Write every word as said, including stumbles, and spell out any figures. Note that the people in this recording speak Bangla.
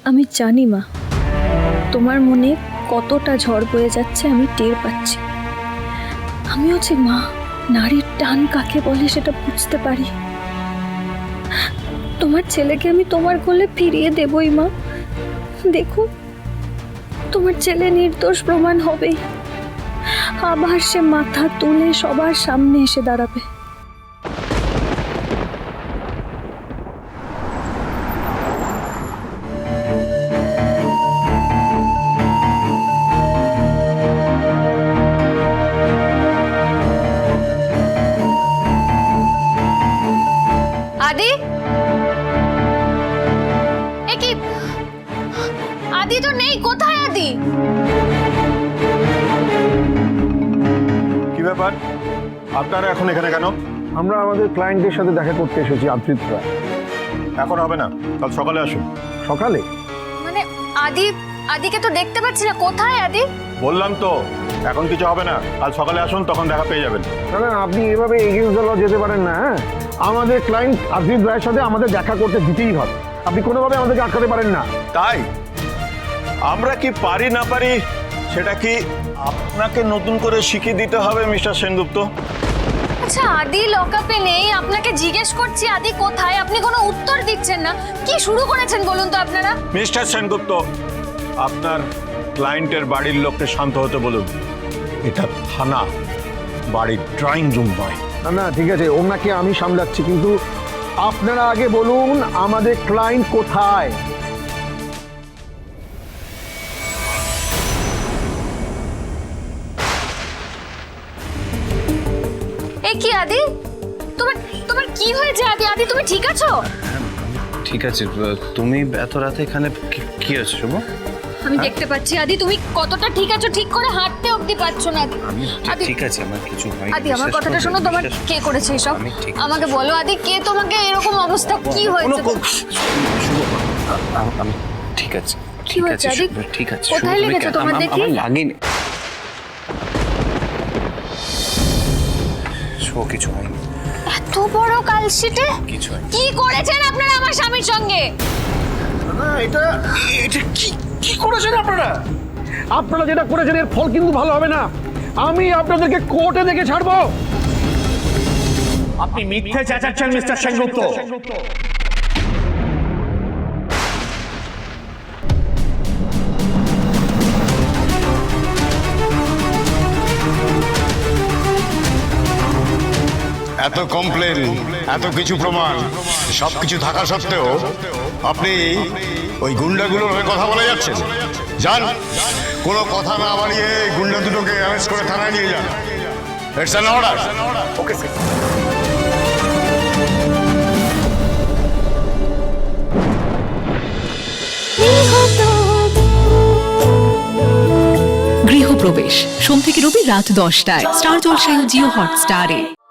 আমি জানি মা, তোমার মনে কতটা ঝড় বয়ে যাচ্ছে আমি টের পাচ্ছি। আমিও যে মা, নারীর টান কাকে বলে সেটা বুঝতে পারি। তোমার ছেলেকে আমি তোমার কোলে ফিরিয়ে দেবই মা। দেখো, তোমার ছেলে নির্দোষ প্রমাণ হবেই। আবার সে মাথা তুলে সবার সামনে এসে দাঁড়াবে। আদি, এ কি? আদি তো নেই, কোথায় আদি? কি ব্যাপার, আপনারা এখন এখানে কেন? আমরা আমাদের ক্লায়েন্টের সাথে দেখা করতে এসেছি, আদ্রিত রায়। এখন হবে না, কাল সকালে আসুন। সকালে? মানে আদি, আদিকে তো দেখতে পাচ্ছি না, কোথায় আদি? বললাম তো এখন কিছু হবে না, কাল সকালে আসুন, তখন দেখা পেয়ে যাবেন। না না, আপনি এভাবে এগিয়ে চলেও যেতে পারেন না। হ্যাঁ, আমাদের ক্লায়েন্ট আদ্রিত রায়ের সাথে আমাদের দেখা করতে দিতেই হবে। আপনি কোনোভাবে আমাদেরকে আটকাতে পারেন না। তাই আমরা কি পারি না পারি সেটা কি আপনাকে নতুন করে শিখিয়ে দিতে হবে মিস্টার সেনগুপ্ত? আচ্ছা, আদি লকআপে নেই, আপনাকে জিজ্ঞেস করছি আদি কোথায়, আপনি কোনো উত্তর দিচ্ছেন না। কি শুরু করেছেন বলুন তো আপনারা? মিস্টার সেনগুপ্ত, আপনার ক্লায়েন্টের বাড়ির লোককে শান্ত হতে বলুন। এটা থানা, বাড়ির ড্রয়িং রুম নয়। না না, ঠিক আছে, ওনাকে আমি সামলাচ্ছি, কিন্তু আপনারা আগে বলুন আমাদের ক্লায়েন্ট কোথায়। এ কি আদি, তোমার তোমার কি হয়েছে আদি? আদি তুমি ঠিক আছো? ঠিক আছে, তুমি এত রাতে এখানে কি- কি হচ্ছে শুভ? আমি দেখতে পাচ্ছি আদি, তুমি কতটা ঠিক আছো, ঠিক করে হাঁটতে অবধি পারছো না। আমি আদি, ঠিক আছে, আমার কিছু হয়নি। আদি আমার বিশ্বাস কথাটা করো, শোনো, তোমার বিশ্বাস- কে করেছে এসব? আমি ঠিক আছি। আমাকে বলো আদি, কে তোমাকে এরকম অবস্থা, কি হয়েছে? কোনো কো- শুভ, আ- আমি ঠিক আছে, কি ঠিক হয়েছে আছে আদি? শুভ, ঠিক আছে। কোথায় শুভ, তুমি লেগেছে কেন- তোমার আম- দেখি? আমার লাগেনি। শুভ, কিছু হয়নি, এত বড় কালশিটে কিছু হয়নি। কি করেছেন আপনারা আমার স্বামীর সঙ্গে? না, এটা এটা কি কি করেছেন আপনারা? আপনারা যেটা করেছেন এর ফল কিন্তু ভালো হবে না। আমি আপনাদেরকে কোর্টে দেখে ছাড়বো। আপনি মিথ্যে চেঁচাচ্ছেন মিস্টার সেনগুপ্ত। এত কমপ্লেন, এত কিছু প্রমাণ, সবকিছু থাকা সত্ত্বেও আপনি ওই গুন্ডাগুলোর হয়ে কথা বলে যাচ্ছেন। যান, কোনো কথা না বাড়িয়ে গুন্ডা দুটোকে অ্যারেস্ট করে থানায় নিয়ে যান। It's an order. Okay sir. গৃহপ্রবেশ সোম থেকে রবি রাত দশটায় স্টার জলসায় ও জিও হটস্টারে।